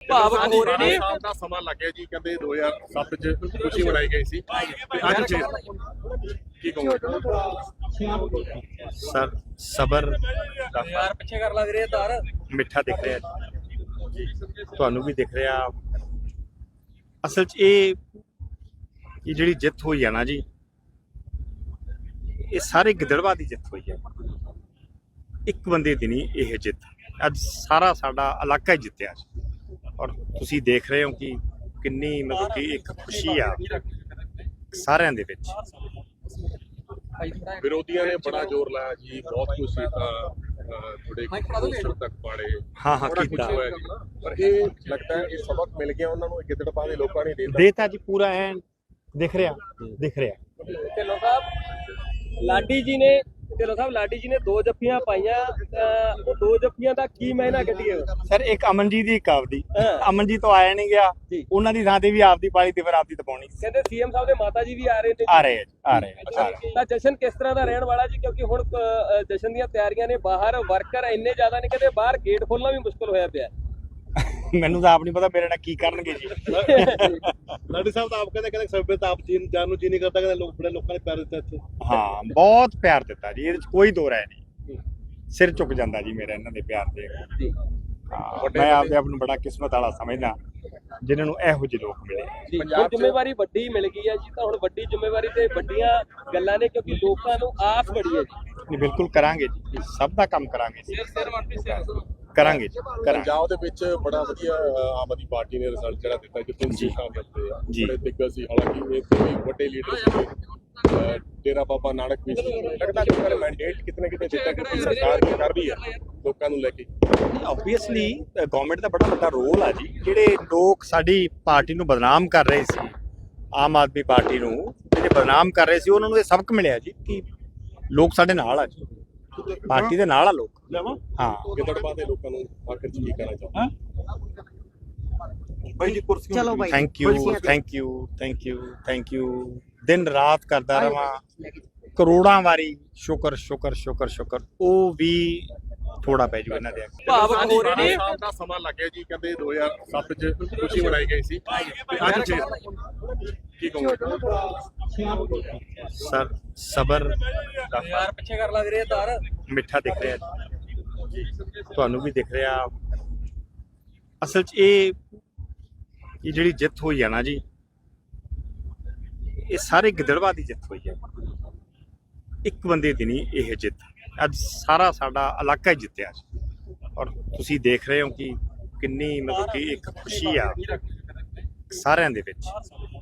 ਭਾਵਕ ਹੋ ਰਹੇ ਨੇ। ਸਾਲ ਦਾ ਸਮਾਂ ਲੱਗਿਆ ਜੀ, ਕਹਿੰਦੇ 2007 ਚ ਖੁਸ਼ੀ ਮਨਾਈ ਗਈ ਸੀ ਤੇ ਅੱਜ ਕੀ ਕਹੋਗੇ ਸਰ? ਸਬਰ ਯਾਰ ਪਿੱਛੇ ਕਰ ਲੱਗ ਰਹੇ ਤਾਰ ਮਿੱਠਾ ਦਿਖ ਰਿਹਾ ਜੀ, ਤੁਹਾਨੂੰ ਵੀ ਦਿਖ ਰਿਹਾ। ਅਸਲ 'ਚ ਇਹ ਜਿਹੜੀ ਜਿੱਤ ਹੋਈ ਆ ਨਾ ਜੀ, ਇਹ ਸਾਰੇ ਗਿੱਦੜਬਾਹ ਦੀ ਜਿੱਤ ਹੋਈ ਹੈ। ਇੱਕ ਬੰਦੇ ਦੀ ਨਹੀਂ ਇਹ ਜਿੱਤ, ਅੱਜ ਸਾਰਾ ਸਾਡਾ ਇਲਾਕਾ ਹੀ ਜਿੱਤਿਆ ਜੀ। ਔਰ ਤੁਸੀਂ ਦੇਖ ਰਹੇ ਹੋ ਕਿ ਕਿੰਨੀ ਮਤਲਬ ਕਿ ਇੱਕ ਖੁਸ਼ੀ ਆ ਸਾਰਿਆਂ ਦੇ ਵਿੱਚ। ਵਿਰੋਧੀਆਂ ਨੇ ਬੜਾ ਜ਼ੋਰ ਲਾਇਆ ਜੀ, ਬਹੁਤ ਕੁਝ ਸੀਤਾ, ਥੋੜੇ ਪੋਸਟਰ ਤੱਕ ਪਾੜੇ, ਹਾਂ ਬੜਾ ਕੁਝ ਕੀਤਾ, ਹੋਇਆ ਜੀ। ਪਰ ਇਹ ਲੱਗਦਾ ਹੈ ਇਹ ਸਬਕ ਮਿਲ ਗਿਆ ਉਹਨਾਂ ਨੂੰ, ਗਿੱਦੜਬਾਹ ਦੇ ਲੋਕਾਂ ਨੇ ਦੇਤਾ ਜੀ ਪੂਰਾ ਐਨ ਦਿਖ ਰਿਹਾ। ਢਿੱਲੋਂ ਸਾਹਿਬ ਲਾਡੀ ਜੀ ਨੇ ਦੋ ਜੱਫੀਆਂ ਪਾਈਆਂ, ਉਹ ਦੋ ਜੱਫੀਆਂ ਦਾ ਕੀ ਮਾਇਨਾ ਕੱਢੀਏ ਸਰ? ਇੱਕ ਅਮਨਜੀਤ ਦੀ, ਇੱਕ ਆਪਦੀ। ਹਾਂ। ਅਮਨਜੀਤ ਤੋਂ ਆਇਆ ਨਹੀਂ ਗਿਆ, ਉਹਨਾਂ ਦੀ ਥਾਂ ਤੇ ਵੀ ਆਪਦੀ ਪਾਲੀ ਤੇ ਫਿਰ ਆਪਦੀ ਤਪਾਉਣੀ। ਕਹਿੰਦੇ ਸੀਐਮ ਸਾਹਿਬ ਦੇ ਮਾਤਾ ਜੀ ਵੀ ਆ ਰਹੇ ਨੇ। ਆ ਰਹੇ ਆ। ਤਾਂ ਜਸ਼ਨ ਕਿਸ ਤਰ੍ਹਾਂ ਦਾ ਰਹਿਣ ਵਾਲਾ ਜੀ? ਕਿਉਂਕਿ ਹੁਣ ਜਸ਼ਨ ਦੀਆਂ ਤਿਆਰੀਆਂ ਨੇ, ਬਾਹਰ ਵਰਕਰ ਇੰਨੇ ਜ਼ਿਆਦਾ ਨੇ, ਕਹਿੰਦੇ ਬਾਹਰ ਗੇਟ ਖੋਲਣਾ ਵੀ ਮੁਸ਼ਕਲ ਹੋਇਆ ਪਿਆ। ਮੈਨੂੰ ਤਾਂ ਆਪ ਨਹੀਂ ਪਤਾ ਮੇਰੇ ਨਾਲ ਕੀ ਕਰਨਗੇ ਜੀ। ਲਾਡੀ ਸਾਹਿਬ ਤਾਂ ਆਪ ਕਹਿੰਦੇ ਸਭੇ ਤਾਂ ਆਪ ਜਾਨ ਨੂੰ ਜੀ ਨਹੀਂ ਕਰਦਾ, ਕਹਿੰਦੇ ਬੜੇ ਲੋਕਾਂ ਨੇ ਪਿਆਰ ਦਿੱਤਾ ਇੱਥੇ। ਹਾਂ, ਬਹੁਤ ਪਿਆਰ ਦਿੱਤਾ ਜੀ, ਇਹਦੇ ਚ ਕੋਈ ਦੋ ਰਾਏ ਨਹੀਂ। ਸਿਰ ਝੁਕ ਜਾਂਦਾ ਜੀ ਮੇਰਾ ਇਹਨਾਂ ਦੇ ਪਿਆਰ ਦੇ। ਮੈਂ ਆਪਦੇ ਆਪ ਨੂੰ ਬੜਾ ਕਿਸਮਤ ਵਾਲਾ ਸਮਝਦਾ ਜਿਨ੍ਹਾਂ ਨੂੰ ਇਹੋ ਜਿਹੇ ਲੋਕ ਮਿਲੇ। ਹੁਣ ਜ਼ਿੰਮੇਵਾਰੀ ਵੱਡੀ ਮਿਲ ਗਈ ਹੈ ਜੀ, ਤਾਂ ਹੁਣ ਵੱਡੀ ਜ਼ਿੰਮੇਵਾਰੀ ਤੇ ਵੱਡੀਆਂ ਗੱਲਾਂ ਨੇ, ਕਿਉਂਕਿ ਲੋਕਾਂ ਨੂੰ ਆਸ ਬੜੀ ਹੈ ਜੀ। ਬਿਲਕੁਲ ਕਰਾਂਗੇ ਜੀ, ਸਭ ਦਾ ਕੰਮ ਕਰਾਂਗੇ ਜੀ, ਕਰਾਂਗੇ ਜੀ। ਪੰਜਾਬ ਦੇ ਵਿੱਚ ਬੜਾ ਵਧੀਆ ਆਮ ਆਦਮੀ ਪਾਰਟੀ ਨੇ ਰਿਜ਼ਲਟ ਜਿਹੜਾ ਦਿੱਤਾ, ਜਿੱਥੇ ਸੀਟਾਂ ਮਿਲਦੇ ਆ, ਬੜੇ ਦਿੱਗਜ ਸੀ। ਹਾਲਾਂਕਿ ਇਹ ਕੋਈ ਵੱਡੇ ਲੀਡਰ ਸੀ, ਡੇਰਾ ਬਾਬਾ ਨਾਨਕ ਵੀ ਸੀ। ਲੱਗਦਾ ਕਿ ਉਹਨਾਂ ਨੇ ਮੈਂਡੇਟ ਕਿਤੇ ਨਾ ਕਿਤੇ ਦਿੱਤਾ ਕਿ ਸਰਕਾਰ ਕੀ ਕਰ ਰਹੀ ਹੈ ਲੋਕਾਂ ਨੂੰ ਲੈ ਕੇ। ਆਬਵੀਅਸਲੀ ਗਵਰਨਮੈਂਟ ਦਾ ਬੜਾ ਵੱਡਾ ਰੋਲ ਆ ਜੀ। ਜਿਹੜੇ ਲੋਕ ਸਾਡੀ ਪਾਰਟੀ ਨੂੰ ਬਦਨਾਮ ਕਰ ਰਹੇ ਸੀ, ਆਮ ਆਦਮੀ ਪਾਰਟੀ ਨੂੰ ਜਿਹੜੇ ਬਦਨਾਮ ਕਰ ਰਹੇ ਸੀ, ਉਹਨਾਂ ਨੂੰ ਇਹ ਸਬਕ ਮਿਲਿਆ ਜੀ ਕਿ ਲੋਕ ਸਾਡੇ ਨਾਲ ਆ ਜੀ, ਪਾਰਟੀ ਦੇ ਨਾਲ ਆ ਲੋਕ। ਹਾਂ, ਗਿੱਦੜਬਾਹ ਦੇ ਲੋਕਾਂ ਨੂੰ ਆਖਰ ਚ ਕੀ ਕਹਿਣਾ ਚਾਹੁੰਦਾ? ਚਲੋ ਭਾਈ, ਥੈਂਕ ਯੂ। ਦਿਨ ਰਾਤ ਕਰਦਾ ਰਵਾਂ, ਕਰੋੜਾਂ ਵਾਰੀ ਸ਼ੁਕਰ। ਉਹ ਵੀ ਥੋੜਾ ਪੈ ਜੂ ਇਹਨਾਂ ਦੇ। ਭਾਵਕ ਹੋ ਰਹੇ ਨੇ। ਸਾਲ ਦਾ ਸਮਾਂ ਲੱਗਿਆ ਜੀ, ਕਹਿੰਦੇ 2007 ਚ ਖੁਸ਼ੀ ਮਨਾਈ ਗਈ ਸੀ ਤੇ ਅੱਜ ਕੀ ਕਹੋਗੇ ਸਰ? ਸਬਰ ਯਾਰ ਪਿੱਛੇ ਕਰ ਲੱਗ ਰਹੇ ਤਾਰ ਮਿੱਠਾ ਦਿਖ ਰਿਹਾ ਜੀ, ਤੁਹਾਨੂੰ ਵੀ ਦਿਖ ਰਿਹਾ। ਅਸਲ 'ਚ ਇਹ ਜਿਹੜੀ ਜਿੱਤ ਹੋਈ ਆ ਨਾ ਜੀ, ਇਹ ਸਾਰੇ ਗਿੱਦੜਬਾਹ ਦੀ ਜਿੱਤ ਹੋਈ ਹੈ। ਇੱਕ ਬੰਦੇ ਦੀ ਨਹੀਂ ਇਹ ਜਿੱਤ, ਅੱਜ ਸਾਰਾ ਸਾਡਾ ਇਲਾਕਾ ਹੀ ਜਿੱਤਿਆ ਜੀ। ਔਰ ਤੁਸੀਂ ਦੇਖ ਰਹੇ ਹੋ ਕਿ ਕਿੰਨੀ ਮਤਲਬ ਕਿ ਇੱਕ ਖੁਸ਼ੀ ਆ ਸਾਰਿਆਂ ਦੇ ਵਿੱਚ।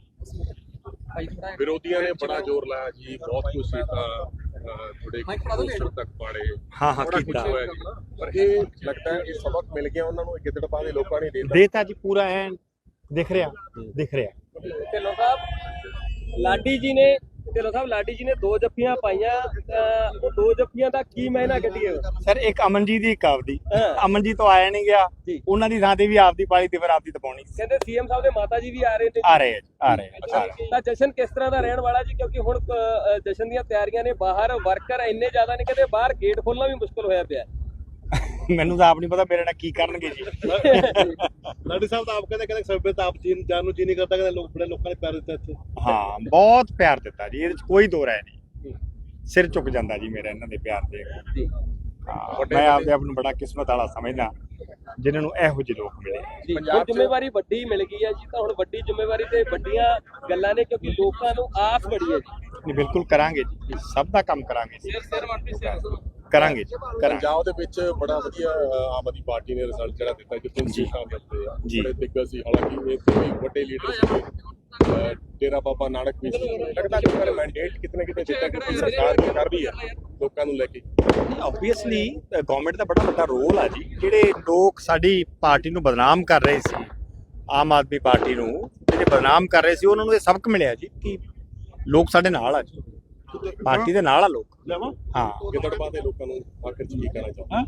ਵਿਰੋਧੀਆਂ ਨੇ ਬੜਾ ਜ਼ੋਰ ਲਾਇਆ ਜੀ, ਬਹੁਤ ਕੁਝ ਸੀਤਾ, ਥੋੜੇ ਪੋਸਟਰ ਤੱਕ ਪਾੜੇ, ਹਾਂ ਬੜਾ ਕੁਝ ਕੀਤਾ, ਹੋਇਆ ਜੀ। ਪਰ ਇਹ ਲੱਗਦਾ ਹੈ ਇਹ ਸਬਕ ਮਿਲ ਗਿਆ ਉਹਨਾਂ ਨੂੰ, ਗਿੱਦੜਬਾਹ ਦੇ ਲੋਕਾਂ ਨੇ ਦੇਤਾ ਜੀ ਪੂਰਾ ਐਨ ਦਿਖ ਰਿਹਾ। ਢਿੱਲੋਂ ਸਾਹਿਬ ਲਾਡੀ ਜੀ ਨੇ ਦੋ ਜੱਫੀਆਂ ਪਾਈਆਂ, ਉਹ ਦੋ ਜੱਫੀਆਂ ਦਾ ਕੀ ਮਾਇਨਾ ਕੱਢੀਏ ਸਰ? ਇੱਕ ਅਮਨਜੀਤ ਦੀ, ਇੱਕ ਆਪਦੀ। ਹਾਂ। ਅਮਨਜੀਤ ਤੋਂ ਆਇਆ ਨਹੀਂ ਗਿਆ, ਉਹਨਾਂ ਦੀ ਥਾਂ ਤੇ ਵੀ ਆਪਦੀ ਪਾਲੀ ਤੇ ਫਿਰ ਆਪਦੀ ਤਪਾਉਣੀ। ਕਹਿੰਦੇ ਸੀਐਮ ਸਾਹਿਬ ਦੇ ਮਾਤਾ ਜੀ ਵੀ ਆ ਰਹੇ ਨੇ। ਆ ਰਹੇ ਆ। ਤਾਂ ਜਸ਼ਨ ਕਿਸ ਤਰ੍ਹਾਂ ਦਾ ਰਹਿਣ ਵਾਲਾ ਜੀ? ਕਿਉਂਕਿ ਹੁਣ ਜਸ਼ਨ ਦੀਆਂ ਤਿਆਰੀਆਂ ਨੇ, ਬਾਹਰ ਵਰਕਰ ਇੰਨੇ ਜ਼ਿਆਦਾ ਨੇ, ਕਹਿੰਦੇ ਬਾਹਰ ਗੇਟ ਖੋਲਣਾ ਵੀ ਮੁਸ਼ਕਲ ਹੋਇਆ ਪਿਆ। ਮੈਨੂੰ ਤਾਂ ਆਪ ਨਹੀਂ ਪਤਾ ਮੇਰੇ ਨਾਲ ਕੀ ਕਰਨਗੇ ਜੀ। ਲਾਡੀ ਸਾਹਿਬ ਤਾਂ ਆਪ ਕਹਿੰਦੇ ਸਭੇ ਤਾਂ ਆਪ ਜਾਨ ਨੂੰ ਜੀ ਨਹੀਂ ਕਰਦਾ, ਕਹਿੰਦੇ ਬੜੇ ਲੋਕਾਂ ਨੇ ਪਿਆਰ ਦਿੱਤਾ ਇੱਥੇ। ਹਾਂ, ਬਹੁਤ ਪਿਆਰ ਦਿੱਤਾ ਜੀ, ਇਹਦੇ ਚ ਕੋਈ ਦੋ ਰਾਏ ਨਹੀਂ। ਸਿਰ ਝੁਕ ਜਾਂਦਾ ਜੀ ਮੇਰਾ ਇਹਨਾਂ ਦੇ ਪਿਆਰ ਦੇ। ਮੈਂ ਆਪਦੇ ਆਪ ਨੂੰ ਬੜਾ ਕਿਸਮਤ ਵਾਲਾ ਸਮਝਦਾ ਜਿਨ੍ਹਾਂ ਨੂੰ ਇਹੋ ਜਿਹੇ ਲੋਕ ਮਿਲੇ। ਹੁਣ ਜ਼ਿੰਮੇਵਾਰੀ ਵੱਡੀ ਮਿਲ ਗਈ ਹੈ ਜੀ, ਤਾਂ ਹੁਣ ਵੱਡੀ ਜ਼ਿੰਮੇਵਾਰੀ ਤੇ ਵੱਡੀਆਂ ਗੱਲਾਂ ਨੇ, ਕਿਉਂਕਿ ਲੋਕਾਂ ਨੂੰ ਆਸ ਬੜੀ ਹੈ ਜੀ। ਬਿਲਕੁਲ ਕਰਾਂਗੇ ਜੀ, ਸਭ ਦਾ ਕੰਮ ਕਰਾਂਗੇ ਜੀ, ਕਰਾਂਗੇ ਜੀ। ਪੰਜਾਬ ਦੇ ਵਿੱਚ ਬੜਾ ਵਧੀਆ ਆਮ ਆਦਮੀ ਪਾਰਟੀ ਨੇ ਰਿਜ਼ਲਟ ਜਿਹੜਾ ਦਿੱਤਾ, ਜਿੱਥੇ ਸੀਟਾਂ ਮਿਲਦੇ ਆ, ਬੜੇ ਦਿੱਗਜ ਸੀ। ਹਾਲਾਂਕਿ ਇਹ ਕੋਈ ਵੱਡੇ ਲੀਡਰ ਸੀ, ਡੇਰਾ ਬਾਬਾ ਨਾਨਕ ਵੀ ਸੀ। ਲੱਗਦਾ ਕਿ ਉਹਨਾਂ ਨੇ ਮੈਂਡੇਟ ਕਿਤੇ ਨਾ ਕਿਤੇ ਦਿੱਤਾ ਕਿ ਸਰਕਾਰ ਕੀ ਕਰ ਰਹੀ ਹੈ ਲੋਕਾਂ ਨੂੰ ਲੈ ਕੇ। ਆਬਵੀਅਸਲੀ ਗਵਰਨਮੈਂਟ ਦਾ ਬੜਾ ਵੱਡਾ ਰੋਲ ਆ ਜੀ। ਜਿਹੜੇ ਲੋਕ ਸਾਡੀ ਪਾਰਟੀ ਨੂੰ ਬਦਨਾਮ ਕਰ ਰਹੇ ਸੀ, ਆਮ ਆਦਮੀ ਪਾਰਟੀ ਨੂੰ ਜਿਹੜੇ ਬਦਨਾਮ ਕਰ ਰਹੇ ਸੀ, ਉਹਨਾਂ ਨੂੰ ਇਹ ਸਬਕ ਮਿਲਿਆ ਜੀ ਕਿ ਲੋਕ ਸਾਡੇ ਨਾਲ ਆ ਜੀ, ਪਾਰਟੀ ਦੇ ਨਾਲ ਆ ਲੋਕ। ਹਾਂ, ਗਿੱਦੜਬਾਹ ਦੇ ਲੋਕਾਂ ਨੂੰ ਆਖਰ ਚ ਕੀ ਕਹਿਣਾ ਚਾਹੁੰਦਾ?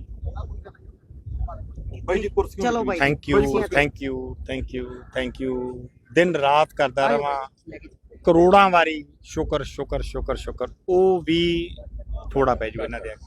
ਚਲੋ ਭਾਈ, ਥੈਂਕ ਯੂ। ਦਿਨ ਰਾਤ ਕਰਦਾ ਰਵਾਂ, ਕਰੋੜਾਂ ਵਾਰੀ ਸ਼ੁਕਰ। ਉਹ ਵੀ ਥੋੜਾ ਪੈ ਜੂ ਇਹਨਾਂ ਦੇ।